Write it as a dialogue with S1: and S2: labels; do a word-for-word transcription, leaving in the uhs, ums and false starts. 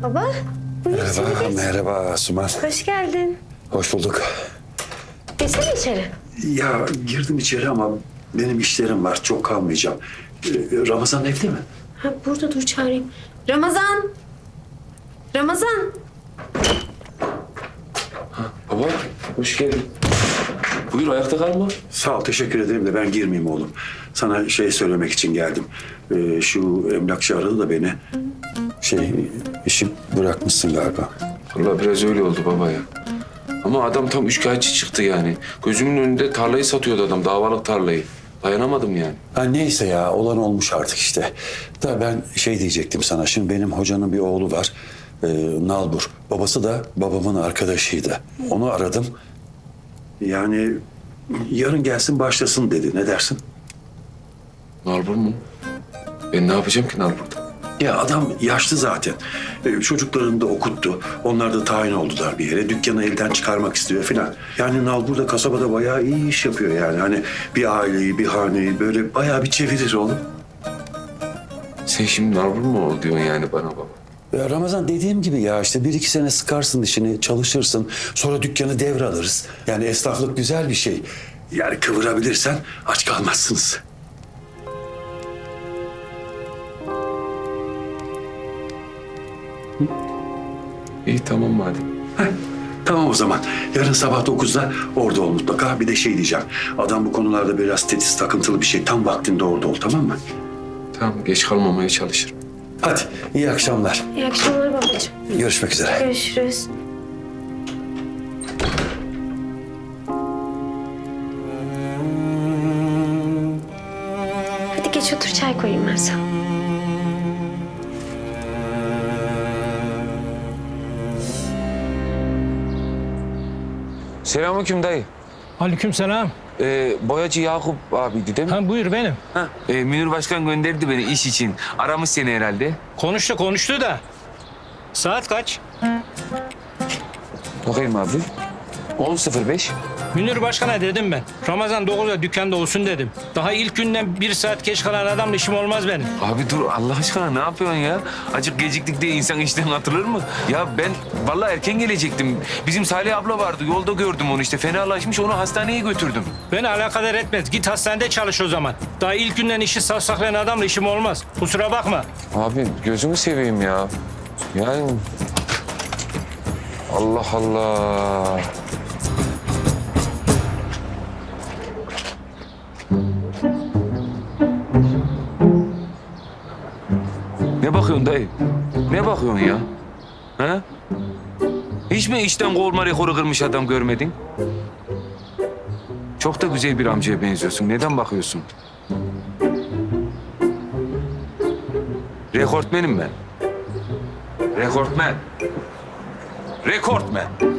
S1: Baba, buyur içeri
S2: Merhaba,
S1: geç.
S2: merhaba Asuman.
S1: Hoş geldin.
S2: Hoş bulduk.
S1: Geçsene içeri.
S2: Ya girdim içeri ama benim işlerim var. Çok kalmayacağım. Ee, Ramazan evde mi?
S1: Ha, burada dur çağırayım. Ramazan! Ramazan!
S3: Baba, hoş geldin. Buyur, ayakta kalma.
S2: Sağ ol, teşekkür ederim de ben girmeyeyim oğlum. Sana şey söylemek için geldim. Ee, şu emlakçı aradı da beni. Şey, işi bırakmışsın galiba.
S3: Vallahi biraz öyle oldu baba ya. Ama adam tam üçkağıtçı çıktı yani. Gözümün önünde tarlayı satıyordu adam, davalık tarlayı. Dayanamadım yani.
S2: Ha, neyse ya, olan olmuş artık işte. Da ben şey diyecektim sana. Şimdi benim hocanın bir oğlu var. Ee, Nalbur. Babası da babamın arkadaşıydı. Onu aradım. Yani yarın gelsin başlasın dedi. Ne dersin?
S3: Nalbur mu? Ben ne yapacağım ki Nalbur'da?
S2: Ya adam yaşlı zaten. Ee, çocuklarını da okuttu. Onlar da tayin oldular bir yere. Dükkanı elden çıkarmak istiyor filan. Yani Nalbur da kasabada bayağı iyi iş yapıyor yani. Hani bir aileyi, bir haneyi böyle bayağı bir çevirir oğlum.
S3: Sen şimdi Nalbur mu ol diyorsun yani bana baba?
S2: Ya Ramazan, dediğim gibi ya işte bir iki sene sıkarsın dişini, çalışırsın. Sonra dükkanı devralırız. Yani esnaflık güzel bir şey. Yani kıvırabilirsen aç kalmazsınız.
S3: İyi tamam madem.
S2: Heh, tamam o zaman. Yarın sabah dokuzda orada ol mutlaka. Bir de şey diyeceğim. Adam bu konularda biraz tetiz, takıntılı bir şey. Tam vaktinde orada ol, tamam mı?
S3: Tamam, geç kalmamaya çalışırım.
S2: Hadi, iyi akşamlar.
S1: İyi akşamlar babacığım.
S2: Görüşmek üzere.
S1: Görüşürüz. Hadi geç otur, çay koyayım ben sana.
S3: Selamünaleyküm dayı.
S4: Aleykümselam.
S3: Ee, boyacı Yakup abiydi değil mi?
S4: Ha buyur benim.
S3: Ha, e, Münir Başkan gönderdi beni iş için. Aramış seni herhalde.
S4: Konuştu konuştu da. Saat kaç?
S3: Bakayım abi. on sıfır beş.
S4: Münir Başkan'a dedim ben. Ramazan dokuzda dükkanda olsun dedim. Daha ilk günden bir saat geç kalan adamla işim olmaz benim.
S3: Abi dur Allah aşkına ne yapıyorsun ya? Acık geciktik diye insan işten atılır mı? Ya ben vallahi erken gelecektim. Bizim Salih abla vardı. Yolda gördüm onu işte. Fenalaşmış, onu hastaneye götürdüm.
S4: Beni alakadar etmez. Git hastanede çalış o zaman. Daha ilk günden işi savsaklayan adamla işim olmaz. Kusura bakma.
S3: Abi gözümü seveyim ya. Yani Allah Allah. Ne bakıyorsun dayı? Ne bakıyorsun ya? Ha? Hiç mi işten kovulma rekoru kırmış adam görmedin? Çok da güzel bir amcaya benziyorsun. Neden bakıyorsun? Rekortmenim ben. Rekortmen. Rekortmen.